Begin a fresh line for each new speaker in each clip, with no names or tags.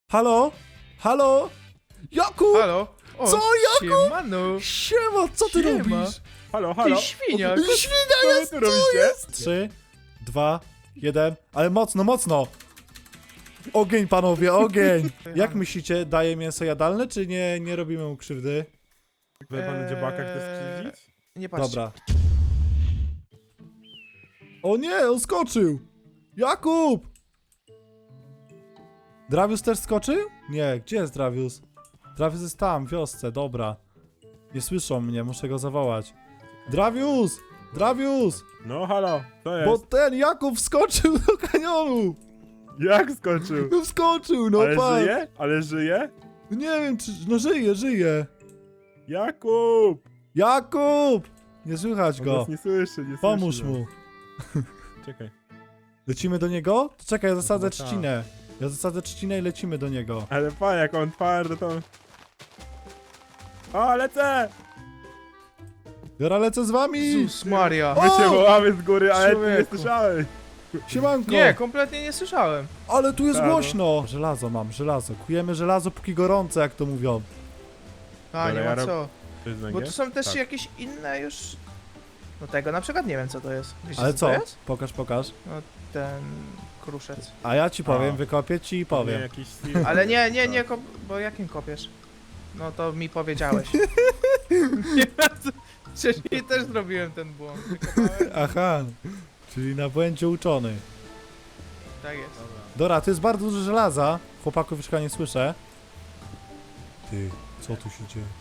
Halo? Halo? Jakub!
Halo? O,
Co, Jakub?
Siemano.
Siema, co ty
Siema.
robisz?
Halo,
Ty
halo.
świnia.
Świnia jest,
Co wy tu robicie?
3, 2, 1, ale mocno, mocno! Ogień, panowie, ogień! Jak myślicie, daje mięso jadalne, czy nie robimy mu krzywdy?
Tutaj panu dziobaka chce skrzywdzić?
Nie patrz.
Dobra. O nie, on skoczył! Jakub! Dravius też skoczył? Nie, gdzie jest Dravius? Dravius jest tam, w wiosce, dobra. Nie słyszą mnie, muszę go zawołać. Dravius! Dravius!
No halo, to jest.
Bo ten Jakub wskoczył do kanionu!
Jak skoczył?
No wskoczył, no
Ale
patrz!
żyje? Ale żyje?
Nie wiem, czy... No żyje!
Jakub!
Jakub! Nie słychać
On
go.
nas nie słyszy, nie
Pomóż
słyszy.
mu.
Czekaj.
Lecimy do niego? To czekaj, ja zasadzę
chyba tak.
trzcinę. Ja zasadzę trzcinę i lecimy do niego.
Ale pan, jak on twardo to... O, lecę!
Dobra, lecę z wami!
Jezus Maria.
O!
My cię wołamy z góry, ale ty nie
Człowieku.
słyszałeś.
Siemanko!
Nie, kompletnie nie słyszałem.
Ale tu jest
Tak, no.
głośno! Żelazo mam, żelazo. Kujemy żelazo póki gorące, jak to mówią.
A,
Dobra,
nie
ja
ma
rob-
co.
To jest
Bo
węgiel?
tu są też
Tak.
jakieś inne już... No tego na przykład nie wiem co to jest. Wiecie,
Ale
to
co?
jest?
Pokaż.
No ten kruszec.
A ja ci powiem,
A.
wykopię ci i
Nie,
powiem.
jakiś sil-
Ale nie, bo jakim kopiesz? No to mi powiedziałeś. Nie, wcześniej też zrobiłem ten błąd. Wykopałem.
Aha, czyli na błędzie uczony.
Tak jest.
Dobra, to jest bardzo dużo żelaza. Chłopaków już chyba nie słyszę. Ty, co tu się dzieje?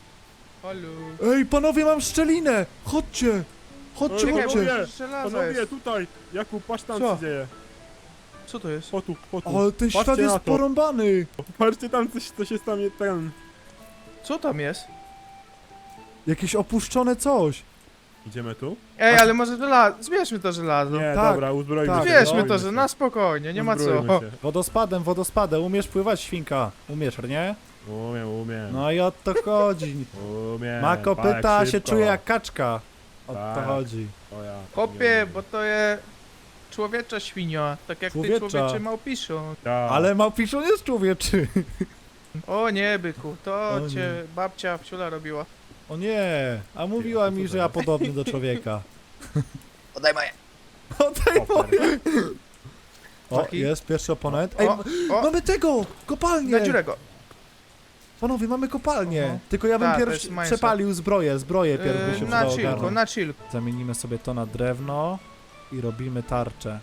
Halo.
Ej, panowie, mam szczelinę! Chodźcie! Chodźcie,
Czekaj,
chodźcie!
panowie.
żelazo
Panowie,
jest.
tutaj! Jakub, patrz tam
Co?
co dzieje.
Co to jest?
Po tu.
Ale ten świat
Patrzcie
jest
na to.
porąbany!
Patrzcie tam, co się stanie ten...
Co tam jest?
Jakieś opuszczone coś.
Idziemy tu?
Ej, ale może żelazo. Zbierzmy to żelazo.
Nie,
Tak,
dobra, uzbroimy
tak.
się.
Zbierzmy
uzbroimy
to, że
się.
na spokojnie, nie ma co.
Uzbroimy się.
Wodospadem. Umiesz pływać, świnka? Umiesz, nie?
Umiem.
No i o to chodzi.
Umiem.
Ma kopyta,
tak
się
szybko.
czuje jak kaczka. O to
Tak.
chodzi.
O ja.
Kopie, bo to jest człowiecza świnia, tak jak
Człowiecza.
ty człowieczy małpiszą.
Tak.
Ale małpiszon jest człowieczy.
O nie, byku, to
O nie.
cię babcia wciula robiła.
O nie, a mówiła mi, że ja podobny do człowieka.
Oddaj moje.
Oddaj
Super.
moje. O,
Taki?
jest pierwszy oponent. Ej,
O, o,
mamy tego! Kopalnię!
na dziurę go.
Panowie, mamy kopalnię.
Mhm.
Tylko ja bym
Tak, to
pierwszy
jest mięso.
przepalił zbroję pierw by się
Na
przydało
chillku,
ogarnąć.
na chill.
Zamienimy sobie to na drewno i robimy tarczę.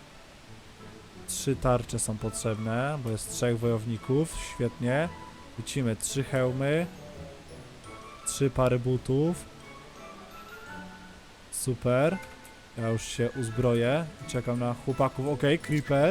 3 tarcze są potrzebne, bo jest 3 wojowników, świetnie. Lecimy 3 hełmy, 3 pary butów. Super. Ja już się uzbroję. Czekam na chłopaków. Okej, creeper.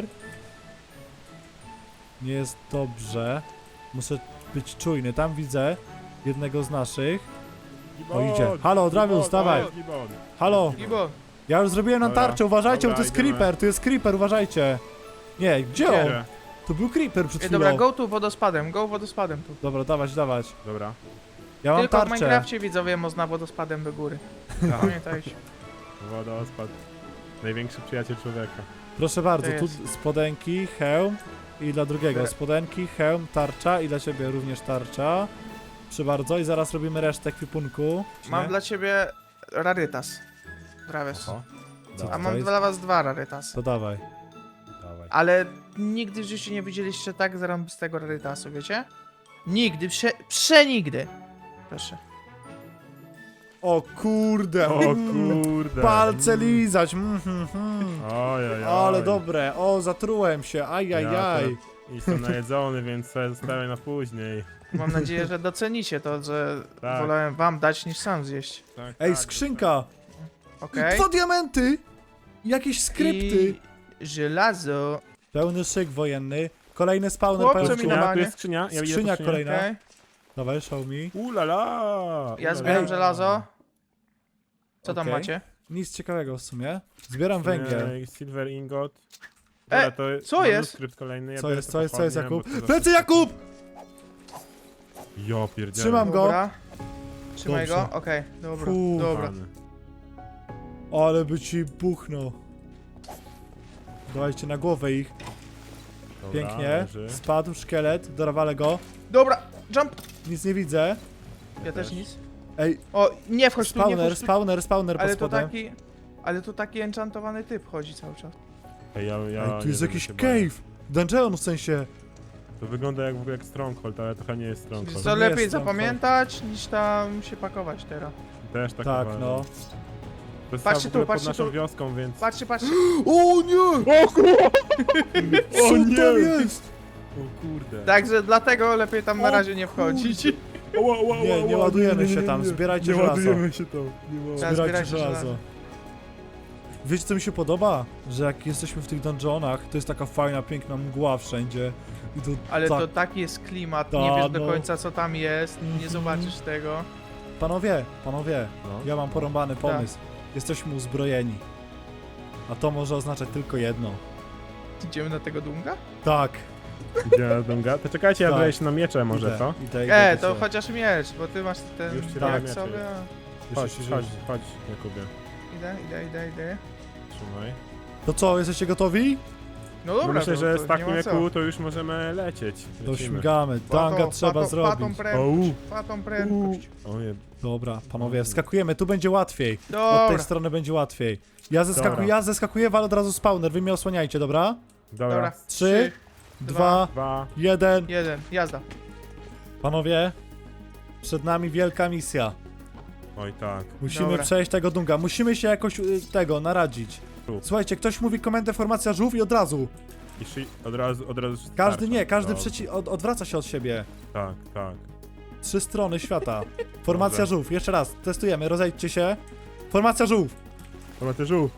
Nie jest dobrze. Muszę być czujny. Tam widzę jednego z naszych. O, idzie. Halo, Dravius, dawaj. Halo.
Gibo,
Ja już zrobiłem nam
Dobra,
tarczę, uważajcie, bo to
dobra,
jest
idziemy.
creeper, tu jest creeper, uważajcie. Nie, gdzie on?
Gdzie?
To był creeper przed
ej,
chwilą.
dobra, go wodospadem tu.
Dobra, dawać.
Dobra.
Ja mam
Tylko w
tarczę.
Minecrafcie widzowie można wodospadem do góry.
Tak.
Pamiętajcie.
Wodospad. Największy przyjaciel człowieka.
Proszę bardzo,
To
tu
jest.
spodenki, hełm i dla drugiego.
Dobra.
Spodenki, hełm, tarcza i dla ciebie również tarcza. Proszę bardzo i zaraz robimy resztę ekwipunku.
Mam
Nie?
dla ciebie rarytas. Travis.
Oho.
Co
A
to
mam
jest?
dla was 2 rarytasy.
To dawaj.
Dawaj.
Ale nigdy w życiu nie widzieliście tak zarąbistego rarytasu, wiecie? Nigdy, przenigdy. Proszę.
O kurde.
O kurde.
Palce lizać.
Ojej.
Ale dobre. O, zatrułem się. Ajajaj.
Jestem najedzony, więc sobie zostawię na później.
Mam nadzieję, że docenicie to, że
Tak.
wolałem wam dać niż sam zjeść.
Tak,
Ej,
tak,
skrzynka.
Okej?
2 diamenty. Jakieś skrypty.
I żelazo.
Pełny szyk wojenny. Kolejny spawner
Chłopcze
pajączków.
mi
Skrzynia,
na-
tu jest skrzynia. Ja widzę
Skrzynia
tu
kolejna.
Okej?
Dawaj, show me.
Ulala.
Ja zbieram
Ej.
żelazo. Co tam
Okej.
macie?
Nic ciekawego w sumie. Zbieram węgiel.
Silver ingot.
E,
to
co jest?
manuskrypt kolejny. Ja
Co
biorę
jest,
to
co jest, co jest,
pochodnie,
Jakub?
bo to
Plecy, Jakub!
Ja pierdzielę.
Trzymam go.
Dobra. Trzymaj
Dobrze.
go? Okej, dobra,
Fu.
dobra.
Pany.
Ale by ci buchnął. Dawajcie na głowę ich.
Dobra,
Pięknie.
leży.
Spadł szkielet, dorwalę go.
Dobra, jump!
Nic nie widzę.
Ja też
też.
nic.
Ej,
O, nie wchodź tu, nie
spawner,
wchodź tu.
spawner pod
Ale to
spodem.
taki... Ale to taki enchantowany typ chodzi cały czas.
Ej, ja
Ej, tu
nie
jest
wiem,
jakiś
się boję.
cave. Dungeon w sensie.
To wygląda jak w ogóle jak Stronghold, ale trochę nie jest Stronghold.
Co
nie
lepiej
jest tam
zapamiętać, niż tam się pakować teraz.
Też tak
Tak,
uważam.
no.
To jest
Patrzcie
w ogóle
tu, patrzcie
pod naszą
tu.
wioską, więc...
Patrzcie, patrzcie.
O nie!
O kurwa!
Co
O nie!
tam jest?
O kurde.
Także dlatego lepiej tam na
O
razie nie wchodzić.
Ła, ła,
Nie,
ła,
nie
ła,
ładujemy się tam, zbierajcie
nie
żelazo.
ładujemy się tam. Nie ma.
Tak.
Zbierajcie
zbierajcie
żelazo.
żelazo.
Wiecie co mi się podoba? Że jak jesteśmy w tych dungeonach, to jest taka fajna, piękna mgła wszędzie. I to
Ale
tak...
to taki jest klimat,
Ta,
nie wiesz do
no.
końca co tam jest, nie
Mhm.
zobaczysz tego.
Panowie,
No.
ja mam porąbany
Tak.
pomysł. Jesteśmy uzbrojeni. A to może oznaczać tylko jedno.
Idziemy na tego dunga?
Tak.
Idzie na Dunga? To czekajcie, ja
Tak.
daję się na miecze może,
Idę,
co?
idę
To
się.
chociaż miecz, bo ty masz ten
Już ci
tak
robię
sobie.
Chodź,
Jeszcze się
chodź,
rzuci.
chodź, Jakubie.
Idę.
Trzymaj.
To co, jesteście gotowi?
No
No
dobra,
myślę,
to,
że
to
z
nie
takim
ma co.
jak to już możemy lecieć.
To
Lecimy.
śmigamy. Danga trzeba zrobić.
Fatą prędkość.
O nie,
Dobra, panowie, skakujemy, tu będzie łatwiej. Od
Dobra,
tej strony będzie łatwiej.
Dobra.
Ja zeskakuję, ale od razu spawner, wy mnie osłaniajcie, dobra?
dobra.
dobra.
3, 2,
2.
1.
1, jazda.
Panowie, przed nami wielka misja.
Oj tak.
Musimy
Dobra.
przejść tego dunga, musimy się jakoś naradzić.
Tu.
Słuchajcie, ktoś mówi komendę formacja żółw i od razu.
I od razu
Każdy nie, każdy
Dobrze.
odwraca się od siebie.
Tak, tak.
3 strony świata. Formacja
Dobra.
żółw, jeszcze raz, testujemy, rozejdźcie się. Formacja żółw.
Dobra, ty żółw.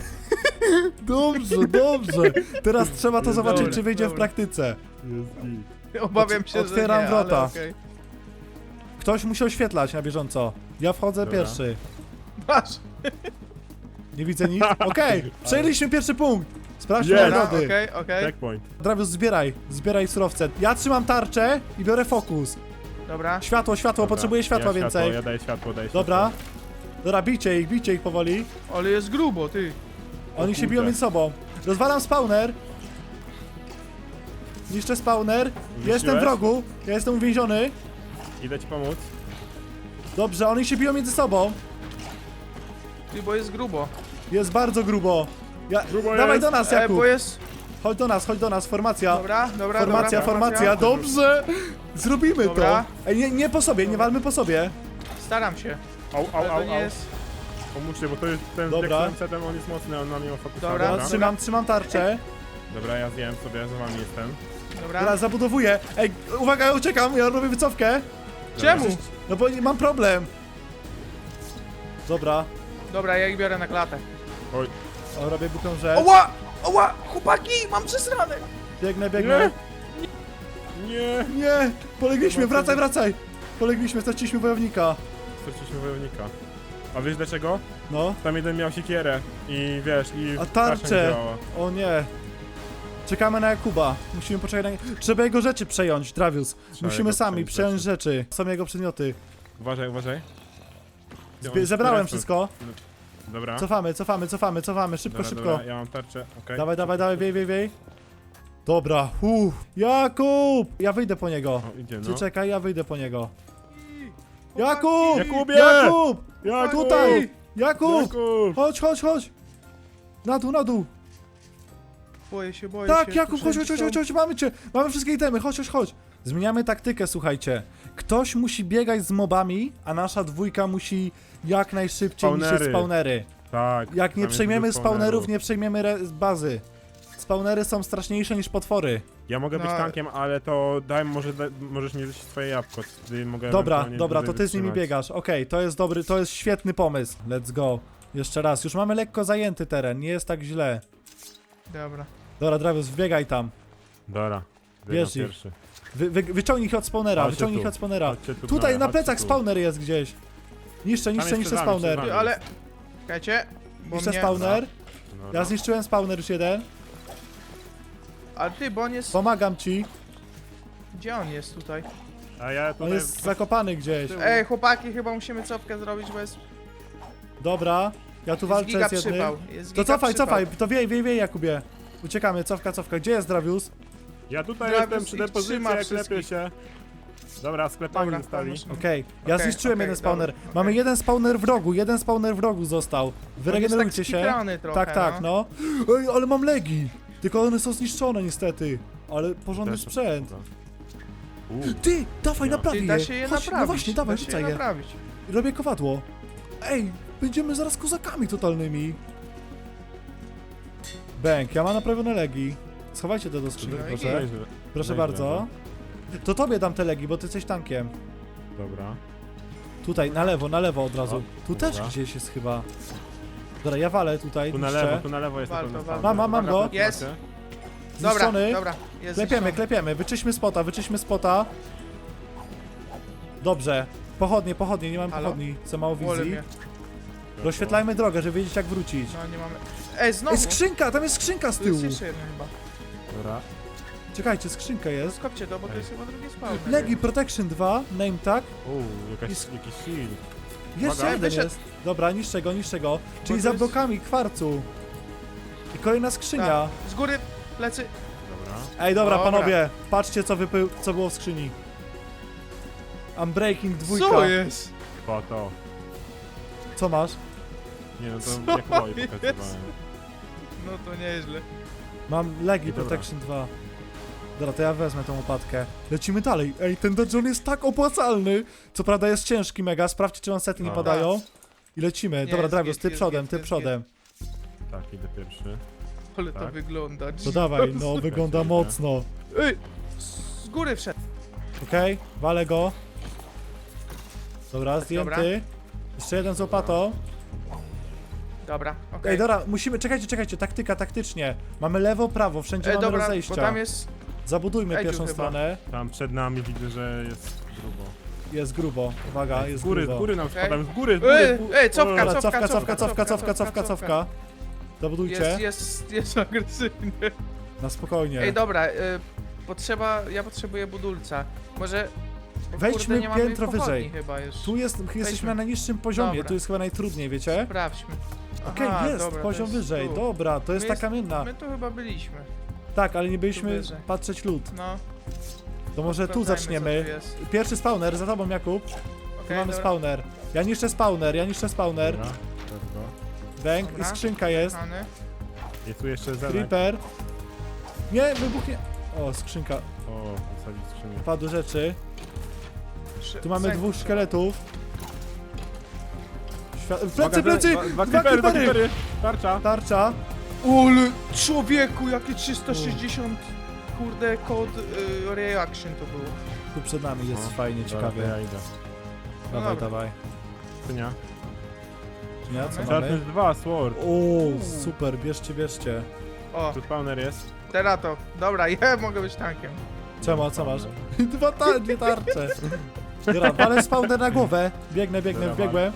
Dobrze, dobrze. Teraz trzeba to
Jest
zobaczyć,
dobre,
czy wyjdzie w
dobre.
praktyce.
Jest git.
Obawiam się,
Otwieram
że nie,
wrota.
ale okej.
Ktoś musi oświetlać na bieżąco. Ja wchodzę
Dobra.
pierwszy.
Masz.
Nie widzę nic. Okej, przejęliśmy pierwszy punkt. Sprawdźmy
Jest.
Dobra,
nagrody.
okej.
Checkpoint.
Dravius, zbieraj surowce. Ja trzymam tarczę i biorę fokus.
Dobra.
Światło,
Dobra.
potrzebuję światła
ja
więcej.
Ja daję światło,
Dobra. Dobra, bijcie ich powoli.
Ale jest grubo, ty.
Oni się biją
kurde.
między sobą. Rozwalam spawner. Niszczę spawner. Jestem w rogu. Ja jestem uwięziony.
Idę ci pomóc.
Dobrze, oni się biją między sobą.
Ty, bo jest grubo.
Jest bardzo grubo.
Grubo
Dawaj
jest.
do nas, Jakub.
Bo jest...
Chodź do nas, formacja.
Dobra,
Formacja, dobrze! Zrobimy
Dobra.
to! Ej, nie po sobie, nie walmy po sobie.
Staram się.
Au,
Ale
au,
to
au,
nie
au.
jest...
Pomóżcie, bo to jest ten
Dobra.
setem, on jest mocny, on na mnie ma fokus.
Dobra.
Dobra.
Trzymam tarczę.
Dobra, ja zjem sobie, za wami jestem.
Dobra.
Teraz zabudowuję. Ej, uwaga, ja uciekam, ja robię wycofkę.
Czemu?
No bo mam problem. Dobra,
Dobra, ja ich biorę na klatę.
Oj,
robię buką rzecz.
Oła! Chłopaki, mam przesrane!
Biegnę.
nie!
Nie, polegliśmy, wracaj. Polegliśmy, straciliśmy wojownika.
Straciliśmy wojownika. A wiesz dlaczego?
No,
Tam jeden miał siekierę i wiesz, i
a
tarcza nie
tarczę.
działała.
O nie. Czekamy na Jakuba. Musimy poczekać na... Trzeba jego rzeczy przejąć, Dravius. Musimy
jego
sami
przejąć
przejąć rzeczy. Są jego przedmioty.
Uważaj, uważaj. Gdzie on-
Zebrałem
teraz-
wszystko.
Dobra.
Cofamy, szybko,
Dobra,
szybko.
Dobra, ja mam tarczę, okej.
Dawaj, wiej. Dobra, Jakub! Ja wyjdę po niego.
O, idzie,
Ty
no.
czekaj, ja wyjdę po niego. Jakub!
Jakubie!
Jakub!
Jakub!
Tutaj! Jakub!
Jakub!
Chodź! Na dół!
Boję się.
Tak,
tu
Jakub,
wszędzie są-
chodź, mamy cię! Mamy wszystkie itemy, chodź! Zmieniamy taktykę, słuchajcie. Ktoś musi biegać z mobami, a nasza dwójka musi jak najszybciej niszczyć
Spawnery.
spawnery.
Tak.
Jak
tam
nie
jest
przejmiemy
dużo
spawnerów, nie przejmiemy bazy. Spawnery są straszniejsze niż potwory.
Ja mogę być
No.
tankiem, ale to możesz mi zjeść swoje jabłko, wtedy mogę
Dobra,
ewentualnie
to
dłużej
ty z nimi
wytrzymać.
biegasz. Okej, to jest dobry, to jest świetny pomysł. Let's go. Jeszcze raz, już mamy lekko zajęty teren, nie jest tak źle.
Dobra.
Dobra, Dravius, wbiegaj tam.
Dobra.
Bierz
biegam
ich.
pierwszy.
Wyciągnij ich od spawnera,
Chodźcie
wyciągnij ich
tu.
od spawnera.
Chodźcie tu,
Tutaj na
chodźcie
plecach
tu.
spawner jest gdzieś. Niszczę
jest przed nami,
spawner.
przed
Ty,
nami.
ale... Czekajcie. Bo
Niszczę
mnie...
spawner.
Dobra.
Ja zniszczyłem spawner już jeden.
Ale ty, bo on jest...
Pomagam ci.
Gdzie on jest tutaj?
A ja
On
tutaj...
jest zakopany gdzieś.
Ej, chłopaki, chyba musimy cofkę zrobić, bo jest...
Dobra, ja tu
Jest
walczę
giga
z jednym.
przypał. Jest
To
giga przypał.
cofaj, to wiej, Jakubie. Uciekamy, cofka. Gdzie jest Dravius?
Ja tutaj
Dragus
jestem przy
ich
depozycji,
trzyma
klepię
wszystkich.
się. Dobra, sklepami
Dobra,
zostali.
pomóż mi.
Okej, ja
Okej,
zniszczyłem
okej,
jeden spawner.
dobra,
Mamy
okej.
jeden spawner w rogu został. Wyregenerujcie się.
Trochę,
Tak, no. Ej, ale mam legi. Tylko one są zniszczone niestety. Ale porządny
Też-
sprzęt.
Uuu,
Ty, dawaj,
No.
naprawię
Czyli da się je
Chodź,
naprawić.
no właśnie, dawaj,
da się
rzucaj
je
je.
naprawić.
Robię kowadło. Ej, będziemy zaraz kozakami totalnymi. Bęk, ja mam naprawione legi. Schowajcie to do skrzyni,
No i
proszę.
nieźle.
Proszę
Nieźle,
bardzo. To tobie dam te legi, bo ty jesteś tankiem.
Dobra.
Tutaj, na lewo od razu.
O,
Tu też
dobra.
gdzieś jest chyba. Dobra, ja walę tutaj,
Tu na
niszczę.
lewo jest na
Walto,
pewno
walto.
spawner.
Mam go.
Jest.
Macie?
Dobra,
Zniszczony.
dobra. Jest
Klepiemy,
zniszczony.
klepiemy. Wyczyśmy spota. Dobrze. Pochodnie, nie mam
Halo?
pochodni. Za mało
Wolę
wizji.
mnie.
Rozświetlajmy drogę, żeby wiedzieć jak wrócić.
No nie mamy. Ej, znowu!
Ej, skrzynka! Tam jest skrzynka z
Tu
tyłu!
jest jeszcze jedna chyba.
Dobra.
Czekajcie, skrzynka jest.
Skopcie to, bo to jest chyba drugi spawner.
Legi Protection 2, name tag.
Jakiś shield.
Jeszcze
Uwaga.
jeden
Wyszedł.
jest. Dobra, niszczę go. Czyli
to
za
jest-
blokami kwarcu. I kolejna skrzynia.
Tak. Z góry, plecy.
Dobra.
Ej, dobra,
Dobra.
panowie. Patrzcie co było w skrzyni. Unbreaking 2.
Co jest?
Po to.
Co masz?
Nie no to
Co
jak boi
jest?
pokazywałem.
No to nieźle.
Mam Legi
I dobra.
Protection 2. Dobra, to ja wezmę tą łopatkę. Lecimy dalej. Ej, ten dungeon jest tak opłacalny. Co prawda jest ciężki mega. Sprawdźcie, czy wam sety nie
No.
padają. I lecimy.
Nie,
Dobra,
jest
Dragus,
git,
ty
jest
przodem,
git,
ty
jest
przodem.
Tak, idę pierwszy.
Ale to
Tak.
wygląda.
To dawaj, no, wygląda
Lecimy.
mocno.
Ej! Z góry wszedł.
Okej, walę go. Dobra, zdjęty.
Dobra.
Jeszcze jeden z łopatą.
Dobra, okej.
Ej, dobra, musimy, czekajcie, taktycznie. Mamy lewo, prawo, wszędzie mamy
Dobra, bo
rozejścia.
tam jest...
Zabudujmy
Edziu
pierwszą
chyba.
stronę.
Tam przed nami widzę, że jest grubo.
Jest grubo, uwaga,
Z
jest
góry,
grubo.
z góry nam
Okej.
spadają, z góry.
Ej, cofka,
Dobra,
cofka.
cofka. Zabudujcie.
Jest agresywny.
Na spokojnie.
Ej, dobra, ja potrzebuję budulca. Może... bo
Wejdźmy
kurde, nie mamy
piętro
pochodni
wyżej.
chyba już.
Tu jesteśmy na najniższym poziomie,
Dobra.
tu jest chyba najtrudniej, wiecie?
Sprawdźmy.
Okej,
Aha,
jest,
dobra,
poziom
to jest
wyżej,
tu.
dobra, to jest
My
ta
jest-
kamienna.
My tu chyba byliśmy.
Tak, ale nie byliśmy
wyżej.
patrzeć lód.
No.
To może tu
sprawdzajmy,
zaczniemy.
co tu jest.
Pierwszy spawner, za tobą Jakub. Tu
Okej,
mamy
dobra.
spawner. Ja niszczę spawner.
Dobra, let's go.
Bęk i
Dobra.
skrzynka jest.
Kochany.
I tu jeszcze zenek.
Creeper. Nie, wybuchnie. O, skrzynka.
O, wysadzić skrzynię.
Padły rzeczy. Tu mamy
Zęk.
dwóch szkieletów.
Uwaga,
Plecy!
Dwa
Dwa
creepery,
creepery!
Tarcza.
Tarcza.
Ole, człowieku, jakie 360 kurde kod reaction to było.
Tu przed nami jest
No,
fajnie,
dobra,
ciekawie.
to ja idę.
No
Dawaj,
dobra.
dawaj.
Skrzynia.
Nie, co
Mamy?
mamy?
Sharpness 2, sword.
O, super, bierzcie.
O,
Tu spawner jest.
teraz to. Dobra, ja mogę być tankiem.
Co masz? Dwie tarcze. Dobra, walę spawner na głowę. Biegnę,
Dobra,
wbiegłem.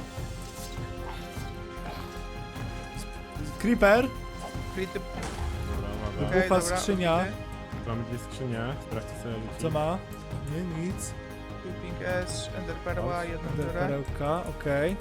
Creeper.
Frity...
Dobra, uwaga.
okej,
Bufa
dobra,
skrzynia.
obity.
Mamy dwie skrzynie. Sprawdźcie sobie.
Co ma? Nie, nic.
Looping S, Ender Perła, jedną biorę.
Perełka, okej.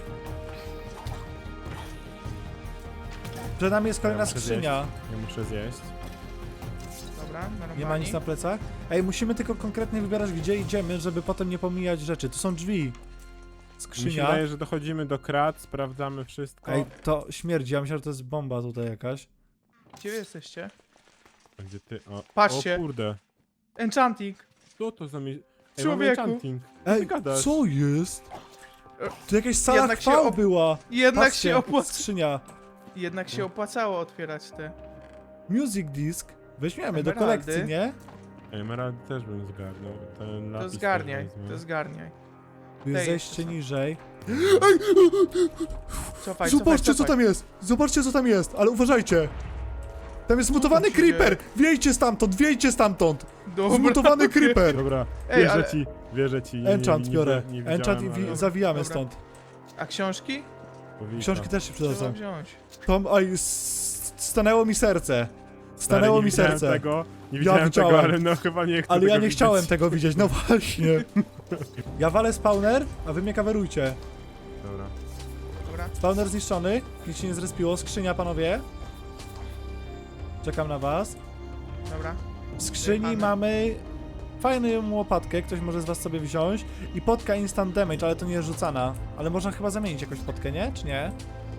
Przed nami jest kolejna
Ja muszę
skrzynia.
Ja muszę zjeść.
Dobra, normalnie.
Nie ma nic na plecach? Ej, musimy tylko konkretnie wybierać, gdzie idziemy, żeby potem nie pomijać rzeczy. Tu są drzwi.
Mi się
Skrzynia.
wydaje, że dochodzimy do krat, sprawdzamy wszystko.
Ej, to śmierdzi. Ja myślałem, że to jest bomba tutaj jakaś.
Gdzie wy jesteście?
A gdzie ty? O,
Patrzcie.
O kurde.
Enchanting.
Co to za mi... Ej,
Człowieku.
mamy enchanting. Co ty
Ej,
gadasz?
co jest? Tu jakaś sala
Jednak się
chwał była.
Jednak
Patrzcie,
się opłaca...
skrzynia.
Jednak się opłacało otwierać te.
Music disc. Weźmiemy do
Emeraldy.
kolekcji, nie?
Emerald też bym zgarnął. Ten
To
lapis
zgarniaj,
też wezmę.
to zgarniaj.
Tu jest
Ej,
zejście
co?
niżej.
Cofaj,
Zobaczcie, co
cofaj.
tam jest! Zobaczcie, co tam jest, ale uważajcie! Tam jest mutowany
tam się dzieje?
creeper! Wiejcie stamtąd!
Dobra.
Zmutowany creeper!
Dobra,
Ej,
wierzę
ale-
ci, wierzę ci.
Enchant biorę.
Nie
Enchant i
widziałem, ale
zawijamy
Dobra.
stąd.
A książki?
powinno.
Książki też się
Trzeba
przydadzą.
wziąć.
Tom, oj, stanęło mi serce.
Stary,
Stanęło
nie
mi
widziałem
serce.
Tego, nie widziałem tego,
widziałem.
ale no chyba nie chcę
Ale
tego
ja nie
widzieć.
chciałem tego widzieć, no właśnie. Ja walę spawner, a wy mnie coverujcie.
Dobra.
Dobra.
Spawner zniszczony, nic się nie zrespiło. Skrzynia, panowie. Czekam na was.
Dobra.
W skrzyni
Jechamy.
mamy fajną łopatkę, ktoś może z was sobie wziąć i potka instant damage, ale to nie jest rzucana. Ale można chyba zamienić jakąś potkę, nie? Czy nie?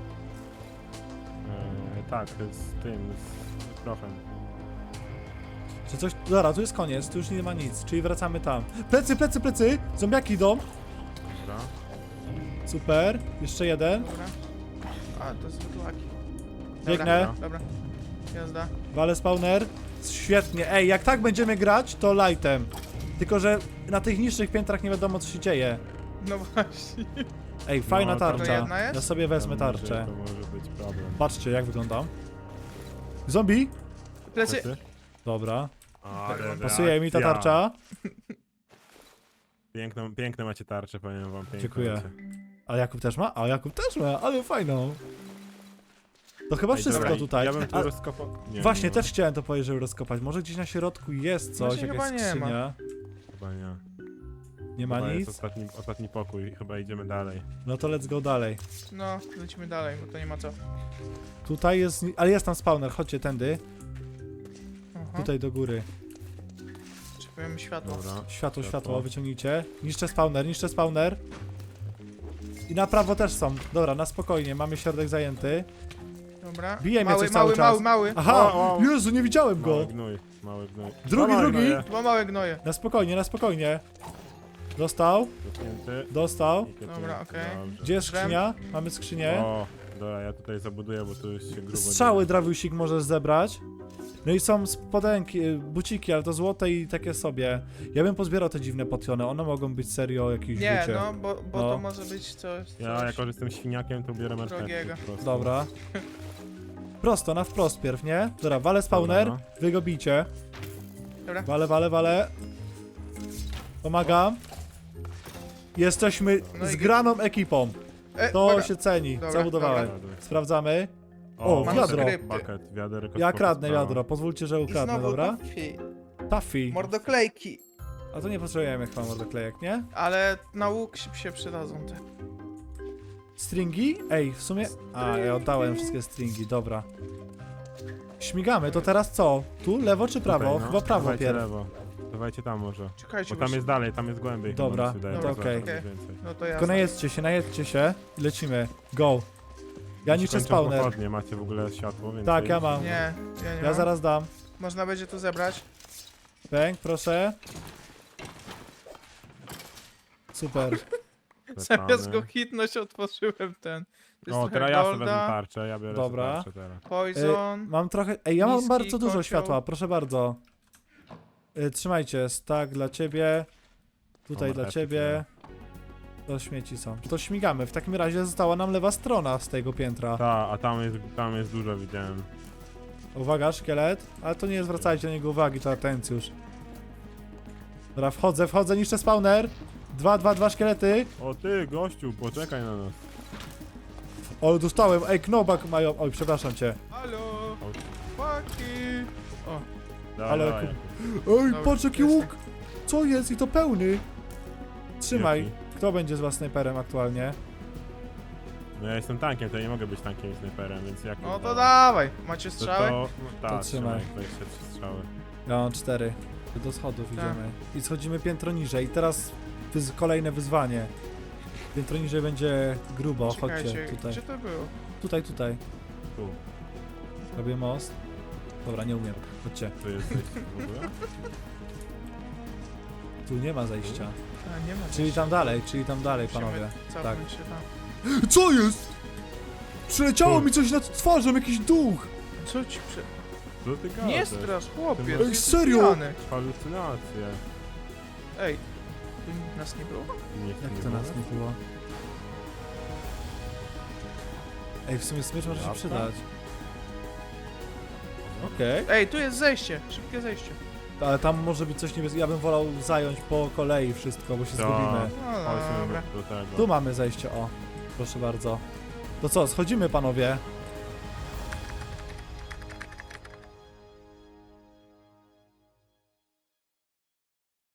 Tak, z tym, z profem.
Czy coś... Dobra, tu jest koniec, tu już nie ma nic, czyli wracamy tam. Plecy, plecy, plecy! Zombiaki idą!
Dobra.
Super, jeszcze jeden.
Dobra. A, to jest wytłaki.
Biegnę.
Dobra. Jazda.
Wale spawner. Świetnie. Ej, jak tak będziemy grać, to lightem. Tylko, że na tych niższych piętrach nie wiadomo, co się dzieje.
No właśnie.
Ej, fajna
No, to
tarcza.
jedna jest?
Ja sobie wezmę
To
tarczę.
może być problem.
Patrzcie, jak wyglądam. Zombie?
Plecy.
Plecy?
Dobra.
Ale
Pasuje mi ta
reakcja.
tarcza.
Piękne macie tarcze, powiem wam. Piękne
Dziękuję.
macie.
A Jakub też ma? A Jakub też ma, ale fajną. To chyba
Ej,
wszystko
dobra,
tutaj.
Ja bym tu
A,
rozkopał. Nie,
właśnie,
nie ma.
też chciałem to powiedzieć, żeby rozkopać. Może gdzieś na środku jest coś,
Właśnie
jakaś
chyba nie ma.
skrzynia.
Chyba nie.
Nie ma
Chyba
nic?
jest ostatni pokój, chyba idziemy dalej.
No to let's go dalej.
No, lecimy dalej, bo to nie ma co.
Tutaj jest, ale jest tam spawner, chodźcie tędy.
Aha.
Tutaj do góry.
Potrzebujemy światło.
Dobra.
Światło,
Światło.
światło, wyciągnijcie. Niszczę spawner, niszczę spawner. I na prawo też są. Dobra, na spokojnie, mamy środek zajęty.
Dobra.
Bije mnie
mały,
coś cały
mały,
czas.
mały, mały.
Aha!
O,
Jezu, nie widziałem go!
Mały gnój, mały gnój.
Drugi,
Dwa małe
drugi.
gnoje.
Dwa małe gnoje.
Na spokojnie, na spokojnie. Dostał,
Dotknięty.
dostał.
I kietnięty.
Dobra, okej.
Dobrze.
Gdzie jest skrzynia? Mamy skrzynię.
O, dobra, ja tutaj zabuduję, bo tu już się grubo
Strzały
dzieje.
drawiusik możesz zebrać. No i są spodenki, buciki, ale to złote i takie sobie. Ja bym pozbierał te dziwne potiony, one mogą być serio jakieś
Nie,
życie.
no, bo
No.
to może być coś.
Ja jako, że jestem świniakiem, to biorę
Drogiego.
marchewki po prostu.
Dobra. Prosto, na wprost pierw, nie? Dobra, wale spawner,
Dobra,
wy go bijcie.
Dobra.
Wale, wale, wale. Pomagam. Jesteśmy
No i
zgraną ekipą. To
dobra.
się ceni.
Dobra,
Zabudowałem.
dobra.
Sprawdzamy.
O,
O,
wiadro.
Bucket, wiaderko.
Ja
spoko
kradnę
sprawa.
wiadro. Pozwólcie, że
I
ukradnę,
znowu
dobra?
Tuffy.
Taffy.
Mordoklejki.
A to nie potrzebujemy chyba mordoklejek, nie?
Ale na łuk się przydadzą te.
Stringi? Ej, w sumie... A, ja oddałem wszystkie stringi, dobra. Śmigamy, to teraz co? Tu, lewo czy prawo?
Tutaj, no.
Chyba prawo
Dawajcie
pierw.
lewo. Dawajcie tam może.
Czekajcie,
Bo tam jest dalej, tam jest głębiej. chyba,
Dobra,
mi się wydaje,
no
że
to
zaraz
okej.
będzie więcej.
No to ja.
Tylko najedźcie się i lecimy. Go. Ja
Jeśli
niszczę
kończą
spawner.
pochodnie, macie w ogóle światło, więc...
Tak, ja mam.
Nie, ja nie
Ja
mam.
zaraz dam.
Można będzie tu zebrać.
Bęk, proszę. Super.
Zamiast go hitnąć, otworzyłem ten. To jest
O,
trochę
teraz ja sobie wezmę
golda,
tarczę, ja biorę
Dobra.
sobie tarczę teraz.
poison.
Mam trochę... Ej, ja mam
Miski,
bardzo dużo
kocioł.
światła, proszę bardzo. Trzymajcie, tak dla ciebie. Tutaj
O,
dla
marchewki
ciebie. To śmieci są. To śmigamy. W takim razie została nam lewa strona z tego piętra.
Ta, a tam jest dużo, widziałem.
Uwaga, szkielet. Ale to nie zwracajcie na niego uwagi, to atencjusz. Dobra, wchodzę, niszczę spawner. Dwa szkielety.
O ty, gościu, poczekaj na nas.
O, dostałem. Ej, knobak mają. Oj, przepraszam cię.
Halo!
O.
Fucky! O,
Dawaj,
Ale
dawaj.
Ej,
Dobra,
patrz jaki
jestem.
łuk. Co jest? I to pełny. Trzymaj.
Jaki?
Kto będzie z was snajperem aktualnie?
No ja jestem tankiem, to ja nie mogę być tankiem i snajperem, więc jak...
no to dawaj. Macie
To,
strzały?
to, no,
To
tak,
trzymaj.
23 strzały.
Ja mam 4. Do schodów
Tak.
idziemy. I schodzimy piętro niżej. I teraz kolejne wyzwanie. Piętro niżej będzie grubo. Chodźcie
Czekajcie,
tutaj.
gdzie to było?
Tutaj.
Tu,
Robię most. Dobra, nie umiem. Chodźcie.
tu jesteś w ogóle?
Tu nie ma zejścia.
A, nie ma.
Czyli tam dalej, panowie.
Musimy
Tak.
cofnąć się tam.
Co jest? Przyleciało
Co?
mi coś nad twarzą, jakiś duch!
Co ci przy...
Co ty gadasz?
Nie strasz, chłopie.
Ej,
ty jesteś
serio?
pijany.
Halucynacje.
Ej, tu nas nie było?
Nie,
Jak
nie
to
było?
nas nie było? Ej, w sumie smycz może się
Lata?
przydać. Okej.
Ej, tu jest zejście. Szybkie zejście.
Ale tam może być coś niebieskiego. Ja bym wolał zająć po kolei wszystko, bo się
To-
zgubimy.
No
Chodźmy
dobra.
do tego.
Tu mamy zejście, o. Proszę bardzo. To co, schodzimy panowie?